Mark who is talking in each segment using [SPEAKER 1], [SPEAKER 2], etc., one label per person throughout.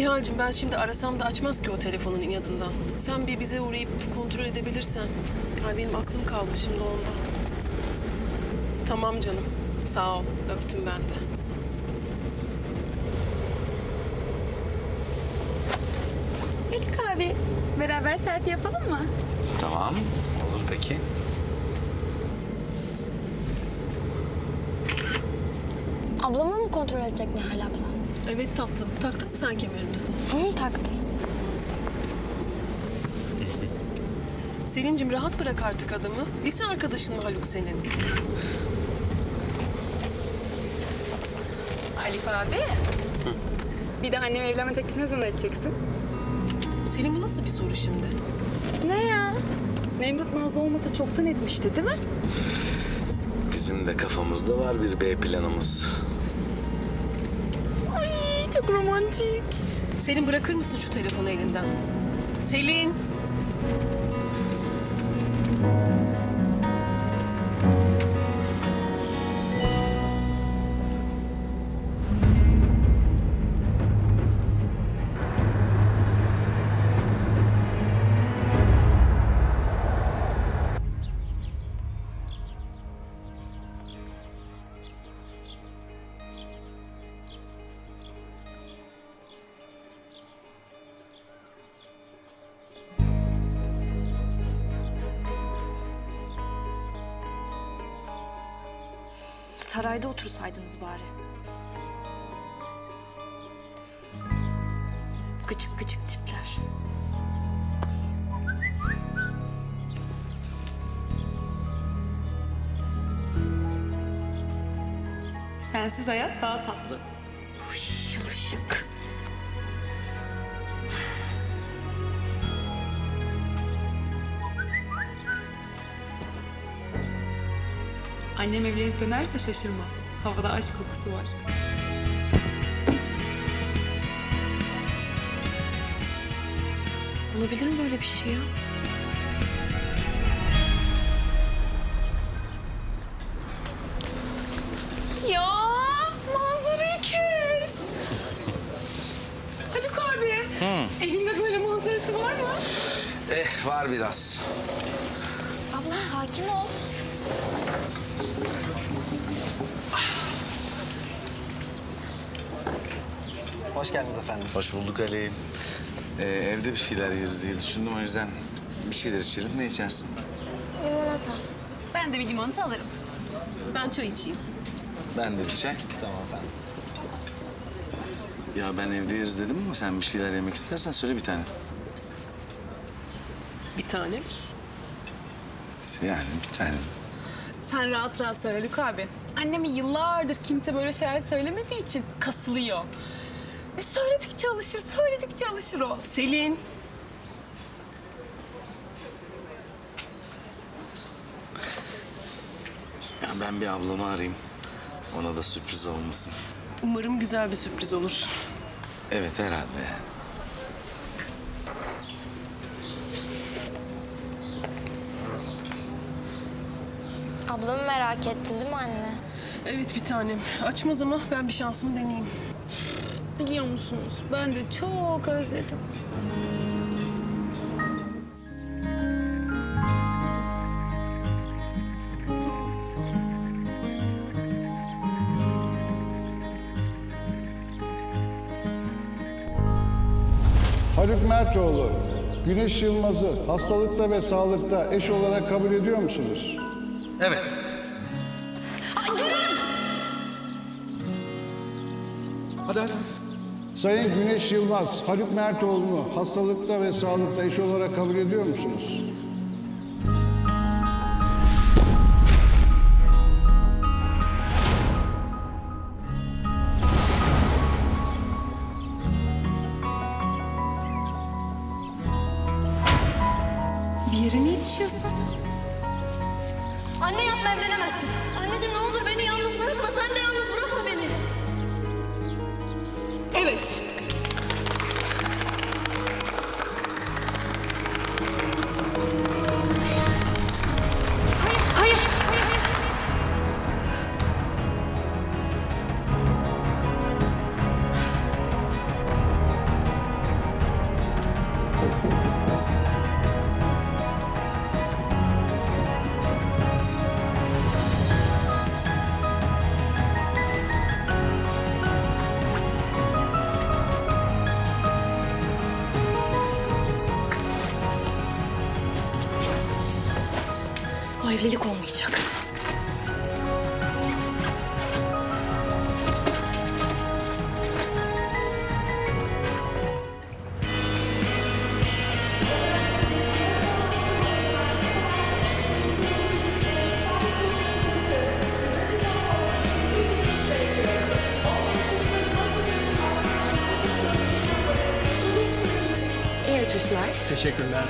[SPEAKER 1] Nihal'cim ben şimdi arasam da açmaz ki o telefonun inadından. Sen bir bize uğrayıp kontrol edebilirsen. Ay benim aklım kaldı şimdi onda. Tamam canım. Sağ ol. Öptüm ben de.
[SPEAKER 2] Haluk abi, beraber selfie yapalım mı?
[SPEAKER 3] Tamam. Olur peki.
[SPEAKER 4] Ablamı mı kontrol edecek Nihal abla?
[SPEAKER 1] Evet tatlım. Taktın mı sen kemerini?
[SPEAKER 4] Hı, taktım.
[SPEAKER 1] Selin'cim rahat bırak artık adamı. Lise arkadaşın mı Haluk senin?
[SPEAKER 2] Haluk abi. Bir de annem evlenme teklifini ne zaman edeceksin?
[SPEAKER 1] Selin bu nasıl bir soru şimdi?
[SPEAKER 2] Ne ya? Nemrut Nazlı olmasa çoktan etmişti değil mi?
[SPEAKER 3] Bizim de kafamızda var bir B planımız.
[SPEAKER 2] Ay çok romantik.
[SPEAKER 1] Selin bırakır mısın şu telefonu elinden? Selin!
[SPEAKER 5] Sarayda otursaydınız bari. Gıcık gıcık tipler.
[SPEAKER 2] Sensiz hayat daha tatlı.
[SPEAKER 5] Yılışık.
[SPEAKER 2] Annem evlenip dönerse şaşırma. Havada aşk kokusu var.
[SPEAKER 5] Olabilir mi böyle bir şey ya?
[SPEAKER 2] Ya manzarayı kes. Haluk abi. Evinde böyle manzarası var mı?
[SPEAKER 3] Var biraz.
[SPEAKER 4] Abla sakin ol.
[SPEAKER 6] Hoş geldiniz efendim.
[SPEAKER 3] Hoş bulduk Ali. Evde bir şeyler yeriz diye düşündüm. O yüzden bir şeyler içelim. Ne içersin?
[SPEAKER 4] Limonata.
[SPEAKER 2] Ben de bir limonata alırım.
[SPEAKER 1] Ben çay içeyim.
[SPEAKER 3] Ben de bir çay.
[SPEAKER 6] Tamam efendim.
[SPEAKER 3] Ya ben evde yeriz dedim ama sen bir şeyler yemek istersen söyle bir tane.
[SPEAKER 1] Bir tane.
[SPEAKER 3] Yani bir tane.
[SPEAKER 2] Sen rahat rahat söyle Haluk abi. Anneme yıllardır kimse böyle şeyler söylemediği için kasılıyor. Söyledikçe alışır, söyledikçe alışır o.
[SPEAKER 1] Selin!
[SPEAKER 3] Ya ben bir ablamı arayayım. Ona da sürpriz olmasın.
[SPEAKER 1] Umarım güzel bir sürpriz olur.
[SPEAKER 3] Evet herhalde.
[SPEAKER 4] Ablamı merak ettin değil mi anne?
[SPEAKER 1] Evet bir tanem. Açmaz ama ben bir şansımı deneyeyim.
[SPEAKER 2] Biliyor musunuz? Ben de çok özledim.
[SPEAKER 7] Haluk Mertoğlu, Güneş Yılmaz'ı hastalıkta ve sağlıkta eş olarak kabul ediyor musunuz?
[SPEAKER 3] Evet.
[SPEAKER 6] Hadi.
[SPEAKER 7] Sayın Güneş Yılmaz, Haluk Mertoğlu'nu hastalıkta ve sağlıkta eş olarak kabul ediyor musunuz?
[SPEAKER 2] Bir yere mi yetişiyorsun?
[SPEAKER 4] Anne yapma evlenemezsin. Anneciğim ne olur beni yalnız bırakma. Sen de yalnız bırakma beni.
[SPEAKER 1] Evet.
[SPEAKER 5] Hayır. evlilik olmayacak.
[SPEAKER 1] İyi uçuşlar.
[SPEAKER 6] Teşekkürler.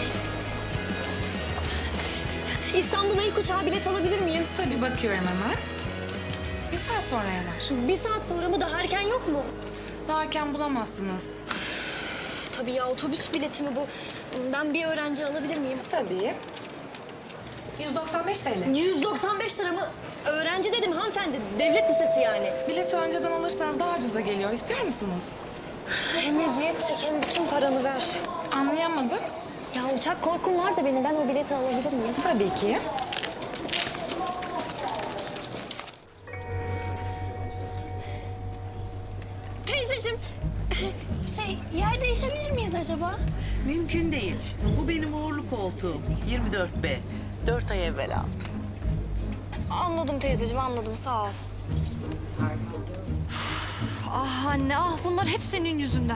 [SPEAKER 4] İstanbul'a ilk uçağa bilet alabilir miyim?
[SPEAKER 2] Tabii bakıyorum hemen. Bir saat sonraya var.
[SPEAKER 4] Bir saat sonra mı, daha erken yok mu?
[SPEAKER 2] Daha erken bulamazsınız.
[SPEAKER 4] Tabii ya, otobüs bileti mi bu? Ben bir öğrenci alabilir miyim?
[SPEAKER 2] Tabii. 195 TL.
[SPEAKER 4] 195 lira mı? Öğrenci dedim hanımefendi. Devlet lisesi yani.
[SPEAKER 2] Bileti önceden alırsanız daha ucuza geliyor. İstiyor musunuz?
[SPEAKER 4] Hem eziyet çek hem bütün paranı ver.
[SPEAKER 2] Anlayamadım.
[SPEAKER 4] Ya uçak korkum var da benim. Ben o bileti alabilir miyim?
[SPEAKER 2] Tabii ki.
[SPEAKER 4] Teyzeciğim, yer değişebilir miyiz acaba?
[SPEAKER 8] Mümkün değil. Bu benim uğurlu koltuğum. 24B. 4 ay evvel aldım.
[SPEAKER 4] Anladım teyzeciğim, anladım. Sağ ol. Ah anne, ah bunlar hep senin yüzünden.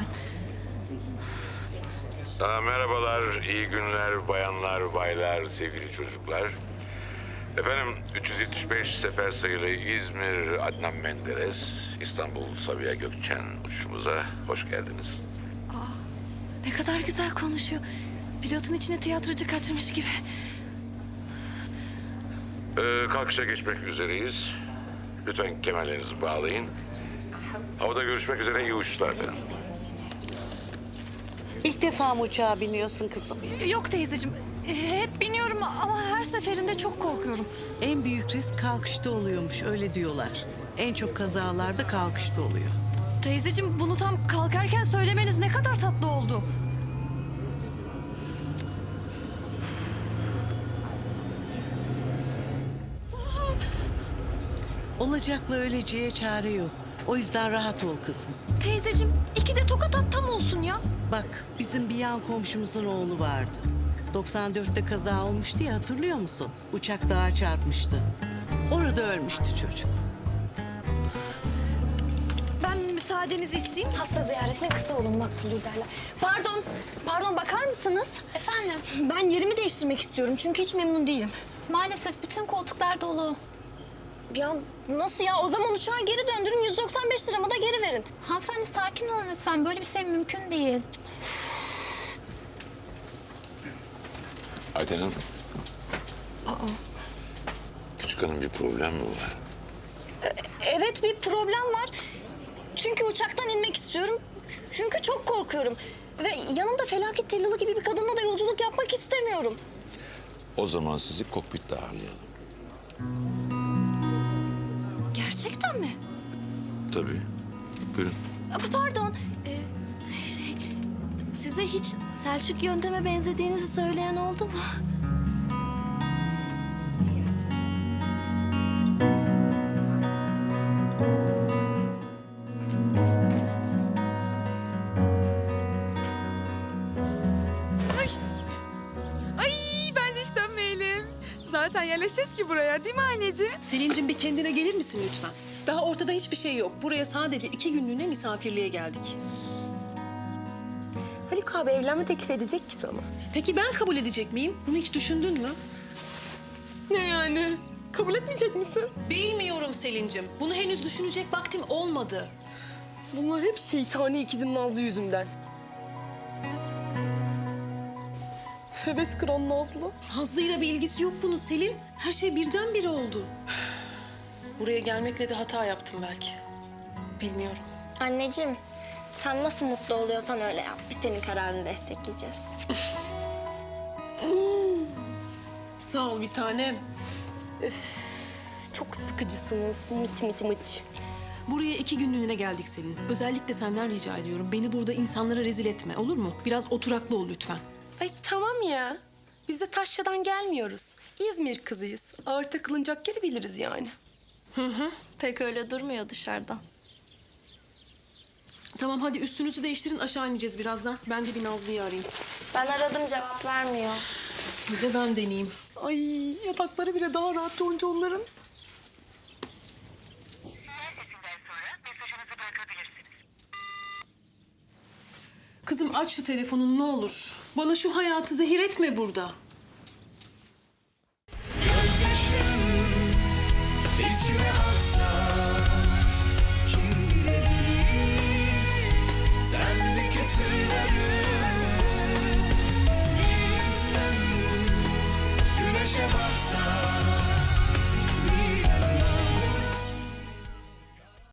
[SPEAKER 9] Merhabalar, iyi günler bayanlar, baylar, sevgili çocuklar. Efendim 375 sefer sayılı İzmir Adnan Menderes, İstanbul Sabiha Gökçen uçuşumuza hoş geldiniz.
[SPEAKER 5] Ne kadar güzel konuşuyor. Pilotun içine tiyatrocu kaçırmış gibi.
[SPEAKER 9] Kalkışa geçmek üzereyiz. Lütfen kemerlerinizi bağlayın. Havada görüşmek üzere, iyi uçuşlar efendim.
[SPEAKER 8] İlk defa mı uçağa biniyorsun kızım?
[SPEAKER 5] Yok teyzeciğim. Hep biniyorum ama her seferinde çok korkuyorum.
[SPEAKER 8] En büyük risk kalkışta oluyormuş, öyle diyorlar. En çok kazalarda kalkışta oluyor.
[SPEAKER 5] Teyzeciğim bunu tam kalkarken söylemeniz ne kadar tatlı oldu.
[SPEAKER 8] Olacakla öleceğe çare yok. O yüzden rahat ol kızım.
[SPEAKER 5] Teyzeciğim iki de tokat at tam olsun ya.
[SPEAKER 8] Bak, bizim bir yan komşumuzun oğlu vardı. 94'te kaza olmuştu ya, hatırlıyor musun? Uçak dağa çarpmıştı. Orada ölmüştü çocuk.
[SPEAKER 5] Ben müsaadenizi isteyeyim.
[SPEAKER 4] Hasta ziyaretine kısa olun makbuldür derler. Pardon bakar mısınız?
[SPEAKER 10] Efendim?
[SPEAKER 4] Ben yerimi değiştirmek istiyorum çünkü hiç memnun değilim.
[SPEAKER 10] Maalesef bütün koltuklar dolu.
[SPEAKER 4] Ya nasıl ya? O zaman uçağa geri döndürün, 195 liramı da geri verin.
[SPEAKER 10] Hanımefendi sakin olun lütfen. Böyle bir şey mümkün değil.
[SPEAKER 9] Ayten Hanım. Küçük hanım, bir problem mi var?
[SPEAKER 4] Evet, bir problem var. Çünkü uçaktan inmek istiyorum. Çünkü çok korkuyorum. Ve yanımda felaket tellalı gibi bir kadınla da yolculuk yapmak istemiyorum.
[SPEAKER 9] O zaman sizi kokpitte ağırlayalım.
[SPEAKER 5] Gerçekten mi?
[SPEAKER 9] Tabii. Buyurun.
[SPEAKER 5] Pardon. Size hiç Selçuk yönteme benzediğinizi söyleyen oldu mu?
[SPEAKER 2] Ay bence hiç dönmeyelim. Zaten yerleşeceğiz ki buraya değil mi anneciğim?
[SPEAKER 1] Selin'cim bir kendine gelir misin lütfen? Daha ortada hiçbir şey yok. Buraya sadece 2 günlüğüne misafirliğe geldik.
[SPEAKER 2] Haluk abi evlenme teklif edecek ki sana.
[SPEAKER 1] Peki ben kabul edecek miyim? Bunu hiç düşündün mü?
[SPEAKER 2] Ne yani? Kabul etmeyecek misin?
[SPEAKER 1] Bilmiyorum Selin'cim. Bunu henüz düşünecek vaktim olmadı.
[SPEAKER 2] Bunlar hep şeytani ikizim Nazlı yüzünden. Febes kıran Nazlı.
[SPEAKER 1] Nazlı'yla bir ilgisi yok bunun Selin. Her şey birdenbire oldu. Buraya gelmekle de hata yaptım belki. Bilmiyorum.
[SPEAKER 4] Anneciğim, sen nasıl mutlu oluyorsan öyle yap. Biz senin kararını destekleyeceğiz.
[SPEAKER 1] Sağ ol bir tanem.
[SPEAKER 2] Çok sıkıcısınız. Mıç mıç mıç.
[SPEAKER 1] Buraya 2 günlüğüne geldik Selin. Özellikle senden rica ediyorum. Beni burada insanlara rezil etme, olur mu? Biraz oturaklı ol lütfen.
[SPEAKER 2] Ay tamam ya. Biz de Taşya'dan gelmiyoruz. İzmir kızıyız. Ağır takılınacak yeri biliriz yani.
[SPEAKER 4] Pek öyle durmuyor dışarıdan.
[SPEAKER 1] Tamam hadi üstünüzü değiştirin, aşağı ineceğiz birazdan. Ben de bir Nazlı'yı arayayım.
[SPEAKER 4] Ben aradım, cevap vermiyor.
[SPEAKER 1] Bir de ben deneyeyim.
[SPEAKER 2] Ay yatakları bile daha rahat onların.
[SPEAKER 1] Kızım aç şu telefonunu ne olur. Bana şu hayatı zehir etme burada.
[SPEAKER 11] Gözyaşım içime aksa